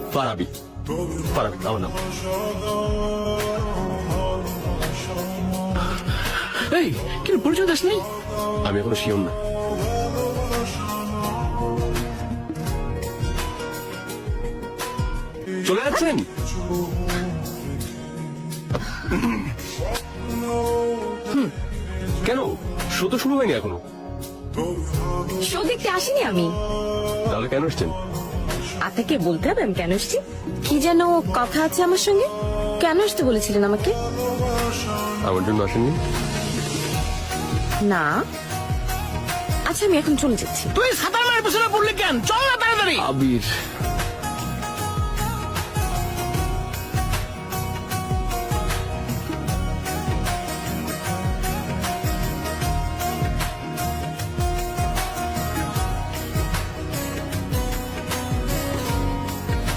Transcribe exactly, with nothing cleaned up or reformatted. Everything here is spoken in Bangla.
ফারাবি। ফারাবি আমার নাম। এই কিন্তু পরিচয় দাস নেই। আমি এখনো শিওর না। চলে যাচ্ছেন? কেন, শো তো শুরু হয়নি এখনো। শো দেখতে আসিনি আমি। তাহলে কেন এসছেন? আপনাকে বলতে হবে আমি কেন এসেছি? কি যেন কথা আছে আমার সঙ্গে। কেন আসতে বলেছিলেন আমাকে? আমার জন্য আসেননি? না। আচ্ছা আমি এখন চলে যাচ্ছি। তুই সাঁতার মায়ের পেছনে পড়লি কেন? চল না তাড়াতাড়ি। আবির